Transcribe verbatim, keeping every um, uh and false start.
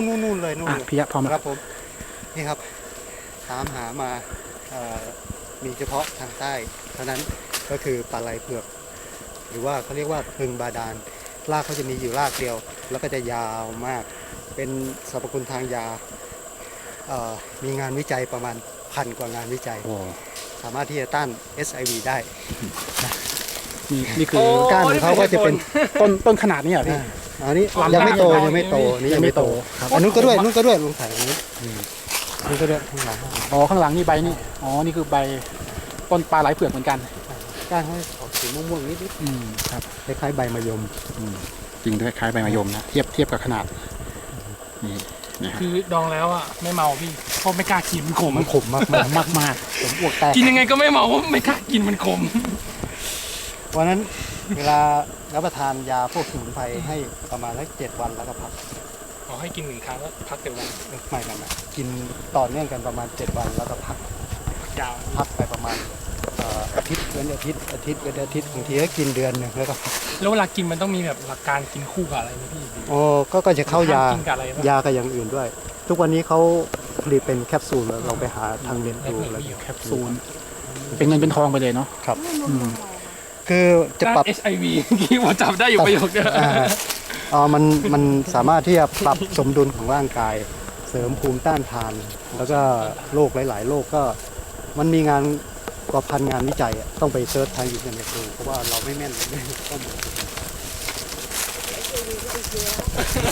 นนู่นนู่นเลยนู่นอ่ะเลยพี่ยะพร้อมคแล้รัวบผมนี่ครับตามหามาเอ่อมีเฉพาะทางใต้เท่านั้นก็คือปลาไหลเผือกหรือว่าเขาเรียกว่าพึงบาดาลรากเขาจะมีอยู่รากเดียว แล้วก็จะยาวมากเป็นสรรพคุณทางยาเอ่อมีงานวิจัยประมาณพันกว่างานวิจัยโอ้สามารถที่จะต้าน เอส ไอ วี ได้นี่นี่คือโอ้ก้านของเขาก็จะเป็นต้นต้นขนาดนี้อ่ะพี่อ่าอันนี้ลำยังไม่โตลำยังไม่โตนี่ยัยัง งไม่ไม่โตโตครับอันนู้นก็ด้วยนู้นก็ด้วยลงถ่ายอันนี้นี่ก็ด้วยข้างหลังอ๋อข้างหลังนี่ใบนี่อ๋อนี่คือใบต้นปลาไหลเผือกเหมือนกันก้านเขาออกสีม่วงๆนิดอืมครับๆคล้ายๆใบมะยมอืมจริงด้วยคล้ายใบมะยมนะเทียบเทียบกับขนาดนี่นะครับคือดองแล้วอ่ะไม่เมาพี่เพราะไม่กล้ากินมันขมมันขมมากมากมากมากๆผมอ้วกแตกกินยังไงก็ไม่เมาเพราะไม่กล้ากินมันขมวันนั้นเวลารับประทานยาพวกสมุนไพรให้ประมาณสักเจ็ดวันแล้วก็พักขอให้กินหนึ่งครั้งแล้วพักเดี๋ยววันไม่ไม่ไม่กินต่อเนื่องกันประมาณเจ็ดวันแล้วก็พักยาวพักไปประมาณเอ่ออาทิตย์เว้นอาทิตย์อาทิตย์เว้นอาทิตย์บางทีก็กินเดือนหนึ่งแล้วก็พักแล้วเวลากินมันต้องมีแบบหลักการกินคู่กับอะไรไหมพี่โอ้ก็ก็จะเข้ายาห้มกินกับอะไรบ้างยากับอย่างอื่นด้วย ทุกวันนี้เขาผลิตเป็นแคปซูลแล้วเราไปหาทางเน็ตดูแล้วแคปซูลเป็นเงินเป็นทองไปเลยเนาะครับอืมคือจะปรับเอชไอวีที่ผมจำได้อยู่ประโยคเดียวอ่าเอ่อมันมันสามารถที่จะปรับสมดุลของร่างกาย เสริมภูมิต้านทาน แล้วก็โรคหลาย ๆ โรคก็มันมีงานกว่าพันงานวิจัยอะต้องไปเซิร์ชทางอินเทอร์เน็ตดูเพราะว่าเราไม่แม่นไม่มีข้อมูล